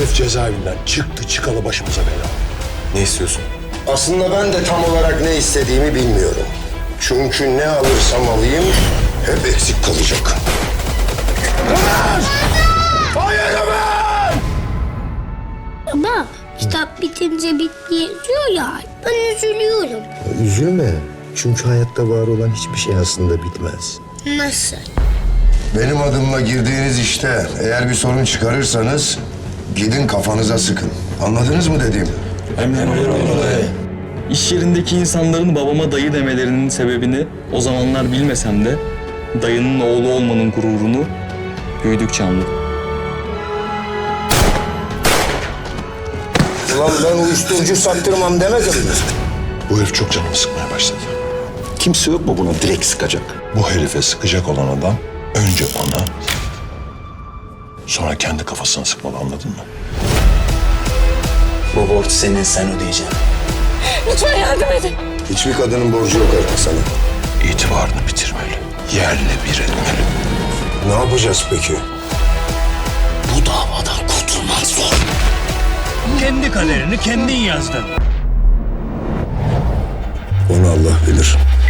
Herif cezaevinden çıktı çıkalı başımıza bela. Ne istiyorsun? Aslında ben de tam olarak ne istediğimi bilmiyorum. Çünkü ne alırsam alayım hep eksik kalacak. Ömer! Hayır Ömer! Ama kitap bitince bitti yazıyor ya. Ben üzülüyorum. Üzülme. Çünkü hayatta var olan hiçbir şey aslında bitmez. Nasıl? Benim adımla girdiğiniz işte eğer bir sorun çıkarırsanız gidin kafanıza sıkın. Anladınız mı dediğimi? İş yerindeki insanların babama dayı demelerinin sebebini o zamanlar bilmesem de dayının oğlu olmanın gururunu büyüdükçe anladım. Ulan ben uyuşturucu sattırmam demedim mi? Bu herif çok canımı sıkmaya başladı. Kimse yok mu buna direkt sıkacak? Bu herife sıkacak olan adam önce ona, sonra kendi kafasına sıkmalı, anladın mı? Bu borç senin, sen ödeyeceksin. Lütfen yardım edin. Hiçbir kadının borcu yok artık sana. İtibarını bitirmeli, yerle bir etmeli. Ne yapacağız peki? Bu davadan kurtulman zor. Kendi kaderini kendin yazdın. Onu Allah bilir.